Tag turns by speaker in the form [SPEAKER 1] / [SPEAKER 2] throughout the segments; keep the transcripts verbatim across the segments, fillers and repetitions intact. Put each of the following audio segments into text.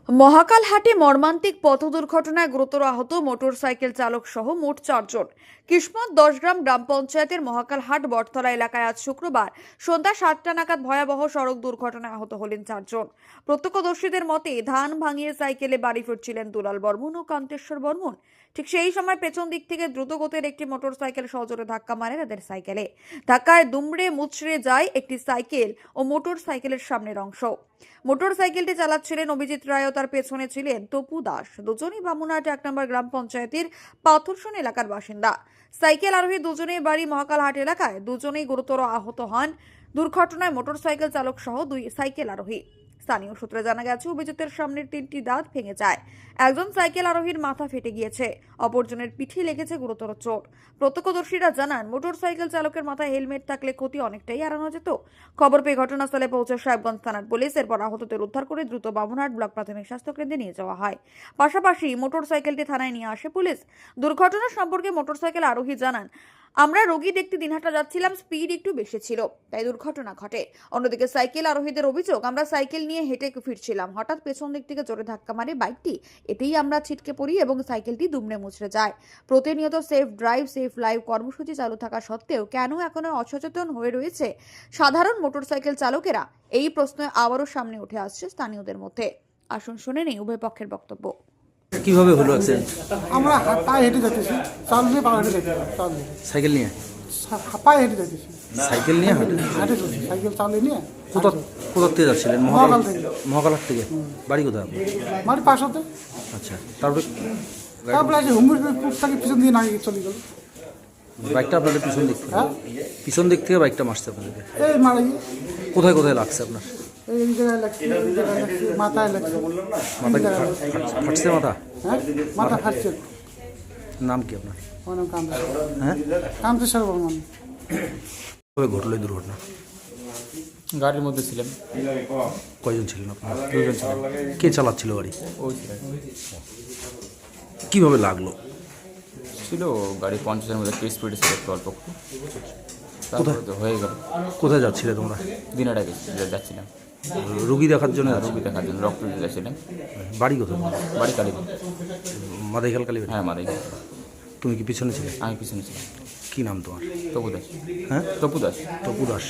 [SPEAKER 1] মহাকালহাটে মর্মান্তিক পথ দুর্ঘটনায় গুরুতর আহত মোটরসাইকেল চালক সহ মোট চারজন। কিসমত দশগ্রাম গ্রাম পঞ্চায়েতের মহাকালহাট বটতলা এলাকায় আজ শুক্রবার সন্ধ্যা সাতটা নাগাদ ভয়াবহ সড়ক দুর্ঘটনায় আহত হলেন চারজন। প্রত্যক্ষদর্শীদের মতে ধান ভাঙিয়ে সাইকেলে বাড়ি ফিরছিলেন দুলাল বর্মন ও কান্তেশ্বর বর্মন। ঠিক সেই সময় পেছন দিক থেকে দ্রুতগতির একটি মোটরসাইকেল সজোরে ধাক্কা মারে তাদের সাইকেলে। ধাক্কায় দুমড়ে মুচড়ে যায় একটি সাইকেল ও মোটর সাইকেলের সামনের অংশ। মোটর সাইকেলটি চালাচ্ছিলেন অভিজিৎ রায় ও তার পেছনে ছিলেন তপু দাস। দুজনেই বামুনহাট এক নম্বর গ্রাম পঞ্চায়েতের পাথরসন এলাকার বাসিন্দা। সাইকেল আরোহী দুজনেই বাড়ি মহাকালহাট এলাকায়। দুজনেই গুরুতর আহত হন দুর্ঘটনায় মোটর সাইকেল চালক সহ দুই সাইকেল আরোহী। স্থানীয় সূত্রে জানা গেছে, অভিজিতের সামনের তিনটি দাঁত ভেঙে যায়। একজন সাইকেল আরোহীর মাথা ফেটে গিয়েছে, অপরজনের পিঠে লেগেছে গুরুতর চোট। প্রত্যক্ষদর্শীরা জানান, মোটর সাইকেল চালকের মাথায় হেলমেট থাকলে ক্ষতি অনেকটাই এড়ানো যেত। খবর পেয়ে ঘটনাস্থলে পৌঁছে সাহেবগঞ্জ থানার পুলিশ। এরপর আহতদের উদ্ধার করে দ্রুত বামুনহাট ব্লক প্রাথমিক স্বাস্থ্য কেন্দ্রে নিয়ে যাওয়া হয়। পাশাপাশি মোটর সাইকেলটি থানায় নিয়ে আসে পুলিশ। দুর্ঘটনা সম্পর্কে মোটর সাইকেল আরোহী জানান, আমরা রোগী দেখতে দিনহাটা যাচ্ছিলাম, স্পিড একটু বেশি ছিল, তাই দুর্ঘটনা ঘটে। অন্যদিকে সাইকেল আরোহীদের অভিযোগ, আমরা সাইকেল নিয়ে হেঁটে ফিরছিলাম, হঠাৎ পেছন দিক থেকে জোরে ধাক্কা মারে বাইকটি। এতেই আমরা ছিটকে পড়ি এবং সাইকেলটি দুমড়ে মুচড়ে যায়। প্রতিনিয়ত সেফ ড্রাইভ সেফ লাইভ কর্মসূচি চালু থাকা সত্ত্বেও কেন এখনো অসচেতন হয়ে রয়েছে সাধারণ মোটরসাইকেল চালকেরা, এই প্রশ্ন আবারও সামনে উঠে আসছে স্থানীয়দের মধ্যে। আসুন শুনে নেই উভয় পক্ষের বক্তব্য।
[SPEAKER 2] কিভাবে হলো অ্যাক্সিডেন্ট?
[SPEAKER 3] আমরা পায়ে হেঁটে যাচ্ছি, চাল নিয়ে পায়ে হেঁটে যাচ্ছি, চাল নিয়ে
[SPEAKER 2] সাইকেল নিয়ে
[SPEAKER 3] পায়ে হেঁটে যাচ্ছি,
[SPEAKER 2] সাইকেল নিয়ে হাঁটে
[SPEAKER 3] হেঁটে যাচ্ছি, সাইকেল চালিয়ে নিয়ে।
[SPEAKER 2] কোথা কোথা থেকে যাচ্ছিলেন?
[SPEAKER 3] মহাকাল থেকে।
[SPEAKER 2] মহাকালহাট থেকে। বাড়ি কোথায় আপনার?
[SPEAKER 3] মানে পাশাতে।
[SPEAKER 2] আচ্ছা, তারপরে
[SPEAKER 3] তারপরে আছে হুমুর থেকে পিছন দিয়ে নাকি চলে গেল।
[SPEAKER 2] বাইকটা আপনাদের পিছন দিক থেকে?
[SPEAKER 3] হ্যাঁ,
[SPEAKER 2] পিছন দিক থেকে বাইকটা মারছে আপনাদেরকে?
[SPEAKER 3] এই মারা গিয়ে
[SPEAKER 2] কোথায় কোথায় লাগছে আপনার?
[SPEAKER 3] এই জায়গায় লাগছে, এই জায়গায় লাগছে, মাথায় লাগছে।
[SPEAKER 2] মাথা কি ফাট- ফাট- ফাটছে মাথা?
[SPEAKER 3] হ্যাঁ, মাথা ফাটছে।
[SPEAKER 2] নাম কি আপনার?
[SPEAKER 3] আমার নাম কান্তেশ্বর।
[SPEAKER 2] হ্যাঁ,
[SPEAKER 3] কান্তেশ্বর বর্মন।
[SPEAKER 2] কবে ঘটলো এই দুর্ঘটনা?
[SPEAKER 4] গাড়ির মধ্যে ছিলাম,
[SPEAKER 2] কয়জন ছিলেন আপনার?
[SPEAKER 4] দুজন ছিলাম।
[SPEAKER 2] কে চালাচ্ছিল গাড়ি?
[SPEAKER 4] ওই ছিলেন
[SPEAKER 2] কিভাবে লাগলো?
[SPEAKER 4] ছিল গাড়ি পঞ্চাশের মধ্যে একটু স্পিডে ছিল, একটু অল্প একটু। তারপরে তো হয়ে গেল।
[SPEAKER 2] কোথায় যাচ্ছিলে তোমরা?
[SPEAKER 4] দিনাটা যাচ্ছিলাম
[SPEAKER 2] রুগী দেখার জন্য?
[SPEAKER 4] রুগী দেখার জন্য, রক্ত দিতে যাচ্ছিলাম।
[SPEAKER 2] বাড়ি কোথায় তোমার?
[SPEAKER 4] বাড়ি কালীবাড়ি।
[SPEAKER 2] মাদাইখাল কালী?
[SPEAKER 4] হ্যাঁ, মাদাই।
[SPEAKER 2] তুমি কি পিছনে ছিলে?
[SPEAKER 4] আমি পিছনে ছিলাম।
[SPEAKER 2] কি নাম তোমার?
[SPEAKER 4] তপু দাস।
[SPEAKER 2] হ্যাঁ,
[SPEAKER 4] তপু দাস।
[SPEAKER 2] তপু দাস।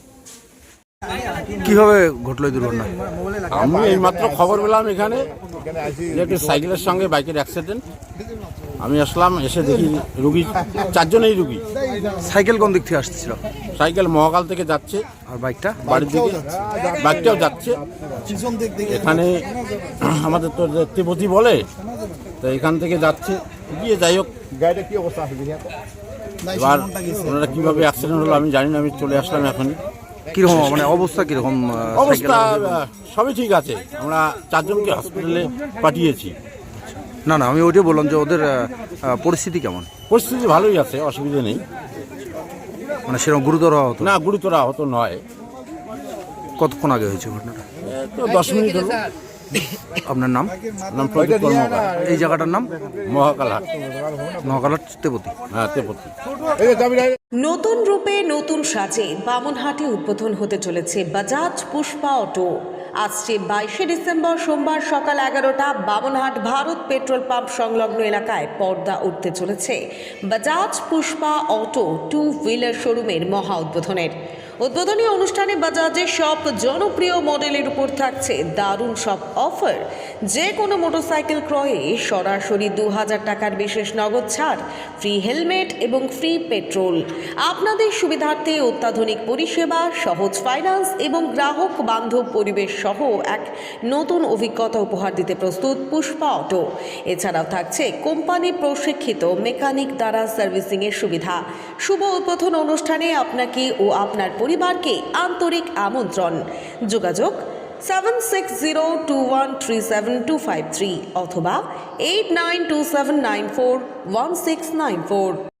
[SPEAKER 2] কিভাবে ঘটলো এই দুর্ঘটনা?
[SPEAKER 5] আমি এইমাত্র খবর পেলাম এখানে যে একটি সাইকেলের সঙ্গে বাইকের অ্যাক্সিডেন্ট। আমি আসলাম, এসে দেখি রুগী চারজনেই রুগী।
[SPEAKER 2] সাইকেল কোন দিক থেকে আসতেছিল?
[SPEAKER 5] সাইকেল মহাকাল থেকে যাচ্ছে
[SPEAKER 2] আর বাইকটা?
[SPEAKER 5] বাড়ির দিকে, বাইকটাও যাচ্ছে। এখানে আমাদের তো তেপতি বলে, তো এখান থেকে যাচ্ছে গিয়ে, যাই হোক গাড়িটা কি অবস্থা আছে এবার ওনারা কীভাবে অ্যাক্সিডেন্ট হলো আমি জানি না। আমি চলে আসলাম এখন।
[SPEAKER 2] কিরকম মানে অবস্থা কিরকম?
[SPEAKER 5] অবস্থা সবই ঠিক আছে, আমরা চারজনকে হসপিটালে পাঠিয়েছি।
[SPEAKER 2] না না, আমি ওইটাই বললাম যে ওদের আহ, পরিস্থিতি কেমন?
[SPEAKER 5] পরিস্থিতি ভালোই আছে, অসুবিধা নেই।
[SPEAKER 2] মানে সেরকম গুরুতর হতো
[SPEAKER 5] না, গুরুতর আহত নয়।
[SPEAKER 2] কতক্ষণ আগে হয়েছে ঘটনাটা?
[SPEAKER 5] তো দশ মিনিট হলো।
[SPEAKER 2] আপনার নাম?
[SPEAKER 5] নাম প্রদীপ কর্মকার,
[SPEAKER 2] এই জায়গাটার নাম?
[SPEAKER 5] মহাকালহাট।
[SPEAKER 2] মহাকালহাট তেপতি।
[SPEAKER 5] হ্যাঁ, তেপতি।
[SPEAKER 6] নতুন রূপে নতুন সাজে বামুনহাটে উদ্বোধন হতে চলেছে বাজাজ পুষ্পা অটো। আসছে বাইশে ডিসেম্বর সোমবার সকাল এগারোটা বামুনহাট ভারত পেট্রোল পাম্প সংলগ্ন এলাকায় পর্দা উঠতে চলেছে Bajaj Pushpa auto two wheeler শোরুমের মহা উদ্বোধনের। উদ্বোধনী অনুষ্ঠানে বাজাজের সব জনপ্রিয় মডেলের উপর থাকছে দারুণ সব অফার। যে কোনো মোটরসাইকেল ক্রয়ে সরাসরি দু হাজার টাকার বিশেষ নগদ ছাড়, ফ্রি হেলমেট এবং ফ্রি পেট্রোল। আপনাদের সুবিধার্থে অত্যাধুনিক পরিষেবা, সহজ ফাইন্যান্স এবং গ্রাহক বান্ধব পরিবেশ সহ এক নতুন অভিজ্ঞতা উপহার দিতে প্রস্তুত পুষ্পা অটো। এছাড়াও থাকছে কোম্পানি প্রশিক্ষিত মেকানিক দ্বারা সার্ভিসিংয়ের সুবিধা। শুভ উদ্বোধন অনুষ্ঠানে আপনাকে ও আপনার পরিবারকে আন্তরিক আমন্ত্রণ। যোগাযোগ seven six zero two one three seven two five three অথবা eight nine two seven nine four one six nine four.